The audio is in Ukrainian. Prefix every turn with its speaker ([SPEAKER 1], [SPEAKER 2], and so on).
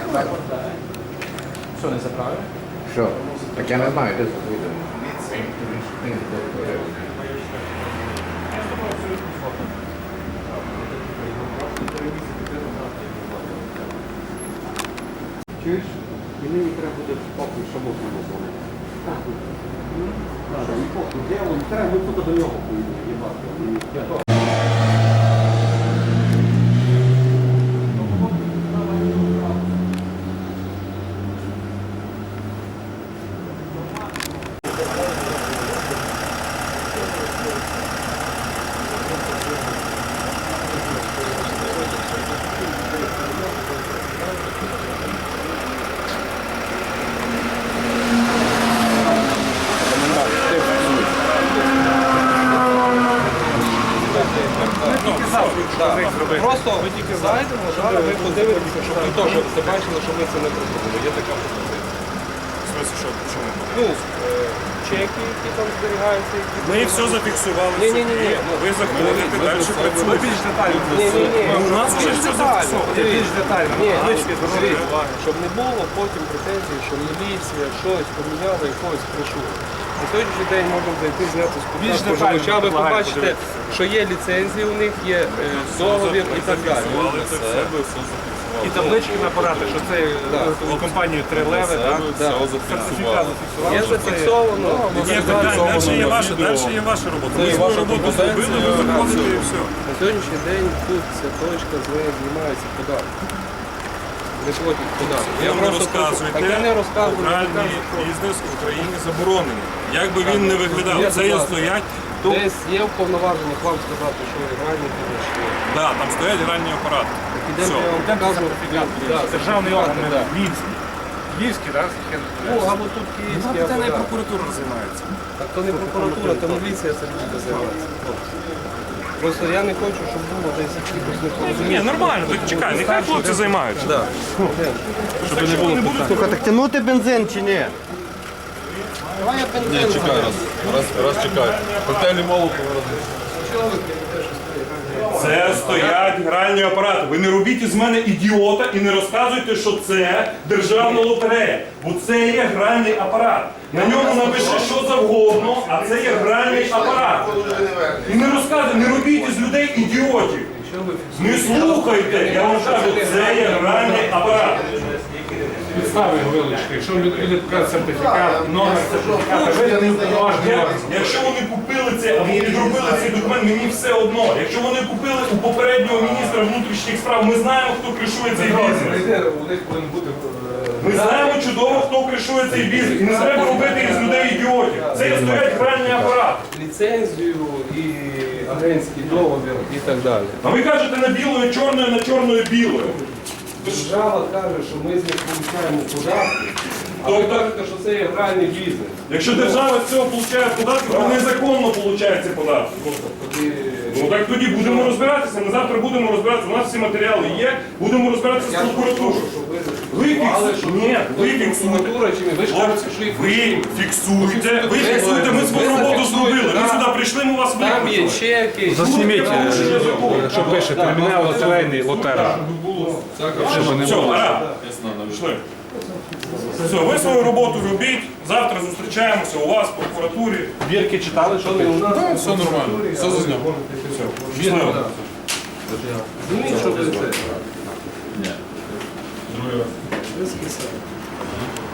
[SPEAKER 1] Що, не заправив?
[SPEAKER 2] Що? Так я не знаю, де це вийде.
[SPEAKER 3] Чуєш? Мені не треба буде похуй шамоту назвати. Похуй. Так, не похуй. Де він? Треба, ми туди до нього поїдемо, їбати.
[SPEAKER 1] Просто ви тільки зайдемо, зараз ви подивитеся, щоб ви теж це бачили, що ми це не пробували. Є така пропозиція.
[SPEAKER 4] В смысле, що? Чому?
[SPEAKER 1] Ну, чеки, які там зберігаються.
[SPEAKER 4] Ми все зафіксували.
[SPEAKER 1] Ні.
[SPEAKER 4] Ви заходите, далі працюєте.
[SPEAKER 3] Більш детально.
[SPEAKER 1] Ні.
[SPEAKER 4] У нас вже все зафіксовано.
[SPEAKER 3] Більш детально.
[SPEAKER 1] Ні, щоб не було потім претензій, що міліція щось поміняла і когось прийшло. На сьогоднішній день можемо зайти, зняти з споживача, ви побачите, що є ліцензії у них, є договір і так далі.
[SPEAKER 4] Це все, ви все зафіксували.
[SPEAKER 3] І таблички на апарати, що це компанію «Три леви», так?
[SPEAKER 4] Зафіксували.
[SPEAKER 1] Є зафіксовано.
[SPEAKER 4] Є питання, далі є ваша робота. Ми свою роботу зробили, ви заходите і все.
[SPEAKER 1] На сьогоднішній день тут ця точка з нею знімається податок. Не платять податок.
[SPEAKER 4] Я вам розказуєте,
[SPEAKER 1] Так я не розказую.
[SPEAKER 4] гральний бізнес в Україні заборонений. Як би він не виглядав, це є стоять.
[SPEAKER 1] Десь є вповноваження вам сказати, що гральний бізнес є.
[SPEAKER 4] Так, там стоять гральні апарати.
[SPEAKER 1] Ідемо, я вам покажу.
[SPEAKER 3] Державний орган,
[SPEAKER 1] Да.
[SPEAKER 3] Львівський. Львівський, так?
[SPEAKER 1] Ну, або тут київський,
[SPEAKER 4] Це
[SPEAKER 1] або
[SPEAKER 4] не
[SPEAKER 1] так.
[SPEAKER 4] прокуратура займається.
[SPEAKER 1] Так то не прокуратура, то міліція це буде займатися. Просто я не хочу, щоб було десь якихось непорозумінь.
[SPEAKER 4] Ні, нормально, так чекай, нехай хлопці займаються.
[SPEAKER 1] Да.
[SPEAKER 4] Щоб не було питань.
[SPEAKER 3] Слухай, так тягнути бензин чи ні?
[SPEAKER 1] Давай я бензин.
[SPEAKER 5] Ні, чекай раз чекай. Коктейлі Молотова.
[SPEAKER 4] Це стоять гральні апарати. Ви не робіть із мене ідіота і не розказуйте, що це державна лотерея. Бо це є гральний апарат. На ньому напише що завгодно, а це є гральний апарат. І не розказуйте, не робіть із людей ідіотів. Не слухайте, я вам кажу, це є гральний апарат.
[SPEAKER 3] Підстави вилучки. Якщо люди покажуть сертифікат, номер сертифіката, виданий уповноважений орган.
[SPEAKER 4] Якщо вони купили це або підробили цей документ, мені все одно. Якщо вони купили у попереднього міністра внутрішніх справ, ми знаємо, хто кришує цей бізнес.
[SPEAKER 3] У них повинен бути
[SPEAKER 4] Ми знаємо чудово, хто кришує цей бізнес. І не треба робити із людей ідіотів. Це є стоять гральні апарати.
[SPEAKER 1] Ліцензію і агентський договір і так далі.
[SPEAKER 4] А ви кажете на білою чорною, на чорною білою.
[SPEAKER 1] Держава каже, що ми з них получаємо податки, а ви кажете, що це є гральний бізнес.
[SPEAKER 4] Якщо держава з цього отримує податки, то незаконно отримує ці податки.
[SPEAKER 1] Тоді
[SPEAKER 4] Ну так тоді будемо розбиратися. Ми завтра будемо розбиратися. У нас всі матеріали є. Будемо розбиратися з прокуратурою. Ви фіксуєте. Ви фіксуєте.
[SPEAKER 1] Ви ж кажете, що їх
[SPEAKER 4] Ви фіксуєте. Ви фіксуєте. Ми свою роботу зробили. Ми сюди прийшли, ми вас
[SPEAKER 1] там є
[SPEAKER 4] викликали.
[SPEAKER 1] чеки.
[SPEAKER 3] Засніміть, що пише кримінал лотерейний лотера.
[SPEAKER 4] Все, гаразд. Пішли. Все, ви свою роботу робіть. Завтра зустрічаємося у вас в прокуратурі.
[SPEAKER 3] Бірки читали, що ти?
[SPEAKER 5] Все нормально, все зазняв.
[SPEAKER 4] Щасливо.
[SPEAKER 1] Розумієш, що ви це?
[SPEAKER 5] Ні.
[SPEAKER 1] Ви скисали.